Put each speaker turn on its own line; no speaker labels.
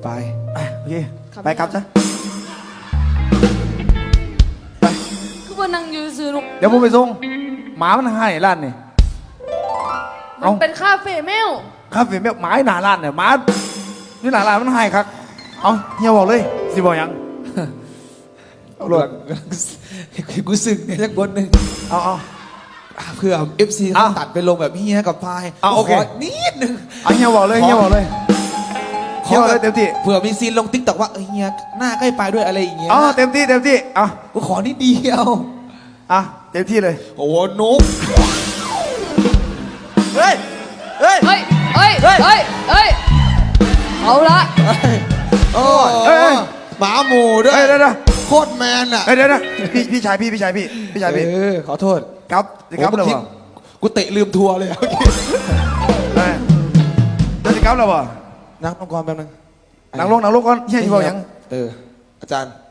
ไป
โอเคไปครับจ้ะไป
คือว่านั่งอยู่ซื้อลูก
เดี๋ยวผมไปส่งหมามันให้ร้านนี่
มันเป็นคาเฟ่แมว
คาเฟ่แม่หมาหน้าร้านเนี่ยหมาอยู่หน้าร้านมันให้ครับเอาเฮียบอกเลยสิบอกยัง
หลวงกูสึกเนี่ยสักบนหนึ่ง
เอา
เพื่อ FC เขาตัดไปลงแบบเฮียกับพาย
โอเค
ขนิดนึง
เอาเฮียบอกเลยเฮียบอกเลยเฮียบอกเลยเต็มที่
เผื่อมีซีนลงติ๊กต็อกว่าเฮียหน้าใกล้ไปด้วยอะไรอย่างเงี้ย
เต็มที่เอา
กูขอนิดเดียว
เต็มที่เลย
โอ้โหนุ๊ก
เฮ้ย
เฮ้ยเอาละ
โอ้
เฮ้ย
หมาหมูด้วย
เดี๋ยว
โคตรแมนอ่ะ
เดี๋ยวพี่ชายพี่
ขอโทษ
ครับจะครับหรือเปล่า
กูเตะลืมทัวร์เลยเมื่อกี้
จะครับหรือเปล่า
นั่งลงก่อนแป๊บนึง
นั่งลงก่อนเฮียบอกยัง
อาจารย์